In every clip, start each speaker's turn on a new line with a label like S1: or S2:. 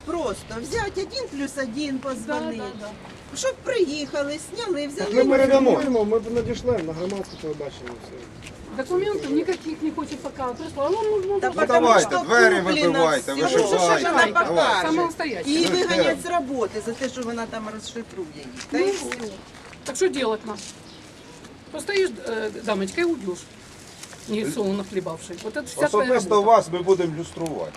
S1: Просто взять 1+1, позвонити.
S2: Да, да, да.
S1: Щоб приїхали, сняли,
S3: Ми
S1: взяли.
S3: передамо, ми надішлемо на громадське телебачення. Все.
S2: Документов никаких не хочет пока прислать. Ну,
S1: Та
S2: ну,
S1: потому
S4: давайте,
S1: що
S4: двері
S1: куплено
S4: вибивайте,
S1: всього,
S4: вишивайте,
S1: що вона
S2: давайте.
S1: покаже.
S2: Самостоятельно.
S1: І виганять з роботи за те, що вона там розшифрує їх. Та й все.
S2: Так что делать нам? Постоишь, дамочка, и уйдешь. Не солоно хлебавший. Вот это вся твоя
S4: Особисто
S2: работа.
S4: вас ми будемо люструвати.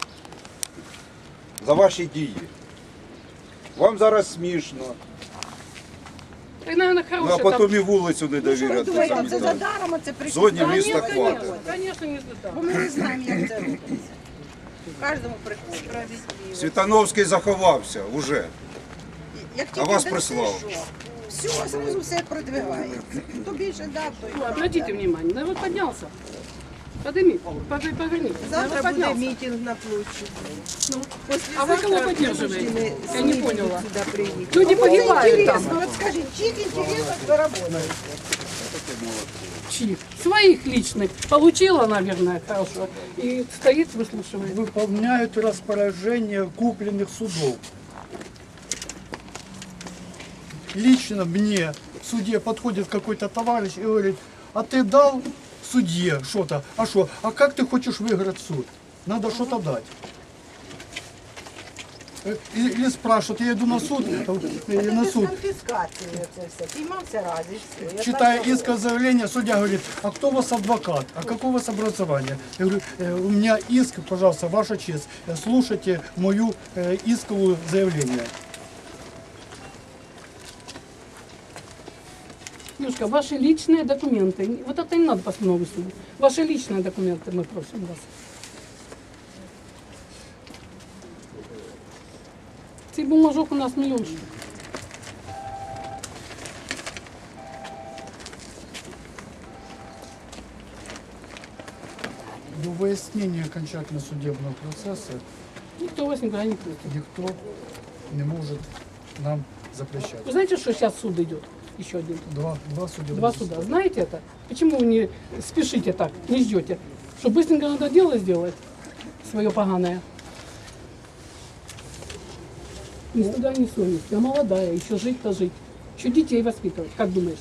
S4: За ваші дії. Вам зараз смішно,
S2: И, наверное,
S4: ну, а
S2: хорошая
S4: потім і вулицю не довіряти.
S1: Думаєте, це за даром, а це
S4: Зоні
S1: прикольно.
S4: міста
S2: Конечно,
S4: хватить.
S2: конечно, не
S1: Бо
S2: знаю.
S1: ми не знаємо, як це робиться. В кожному приходить. Справедливо.
S4: Світановський заховався уже.
S1: Як
S4: А
S1: тільки
S4: вас
S1: десь
S4: прислав.
S1: пішов, все, зразу все продвигається. Хто більше дав, то й
S2: Ну,
S1: дав.
S2: обратите внимание, да вот поднялся. Подними, поверни.
S1: Завтра
S2: Да, вот
S1: буде
S2: поднялся.
S1: мітинг на площі.
S2: Ну,
S1: Послезавтра
S2: а вы кого
S1: вынуждены
S2: поддерживаете? Я
S1: СМИ
S2: не
S1: будут
S2: поняла.
S1: сюда приехать.
S2: Люди
S1: Вот
S2: погибают там.
S1: интересно, вот скажи, чьих интересов вы работаете?
S2: Чьих? Своих личных. Получила, наверное, хорошо. И стоит, выслушивает.
S5: Выполняют распоряжения купленных судов. Лично мне в суде подходит какой-то товарищ и говорит, а ты дал судье что-то? А что? А как ты хочешь выиграть суд? Надо что-то дать. Или спрашивают, я иду на суд, на
S1: Без
S5: суд.
S1: конфіскації це все. Піймався раз і все. Я
S5: Читая
S1: так
S5: иск заявление, судья говорит, а кто у вас адвокат, а какое у вас образование? Я говорю, у меня иск, пожалуйста, ваша честь, слушайте мою исковую заявление.
S2: Девушка, ваши личные документы. Вот это не надо постанову суда. Ваши личные документы мы просим вас. Цей бумажок у нас миллион штук.
S5: До выяснения окончательно судебного процесса
S2: Никто вас никуда не пустит.
S5: никто не может нам запрещать.
S2: Вы знаете, что сейчас суд идет? Еще один.
S5: Два судебных
S2: Два суда. Знаете это? Почему вы не спешите так, не ждете? Что быстренько надо дело сделать свое поганое. Ни стыда, ни совести. Я молодая, еще жить-то жить. Еще детей воспитывать, как думаешь?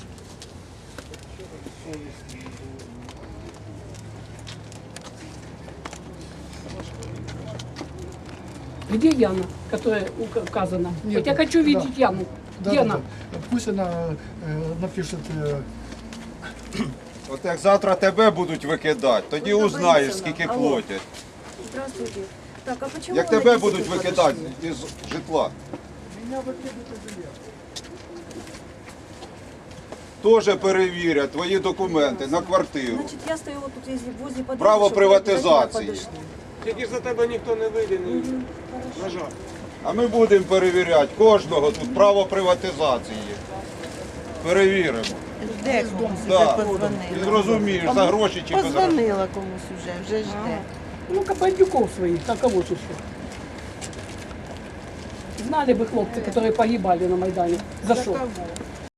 S2: Где Яна, которая указана?
S5: Нет,
S2: Вот я хочу
S5: да.
S2: видеть Яну.
S5: Да,
S2: Где
S5: да,
S2: она?
S5: да. Пусть она напишет.
S4: От як завтра тебе будуть викидати, тоді узнаєш, скільки платять.
S6: Здравствуйте. Так, а почему
S4: Як
S6: вы
S4: тебе
S6: на
S4: будуть
S6: визит
S4: викидати
S6: подошли?
S4: із житла. Теж перевірять твої документи на квартиру.
S6: Значит, я стояла тут возле подъезда,
S4: Право
S6: чтобы вы
S4: приватизації.
S6: обязательно подошли.
S3: Тільки ж за тебе ніхто не вийде, на жаль.
S4: А ми будемо перевіряти кожного тут право приватизації. Перевіримо.
S1: Жде комусь вже
S4: Так. І
S1: позвонила.
S4: зрозумієш, за гроші чи без грошей.
S1: Позвонила комусь вже жде.
S2: Ну-ка, бандюков своих, а кого же еще? Знали бы хлопцы, которые погибали на Майдане. За
S1: За
S2: что?
S1: кого?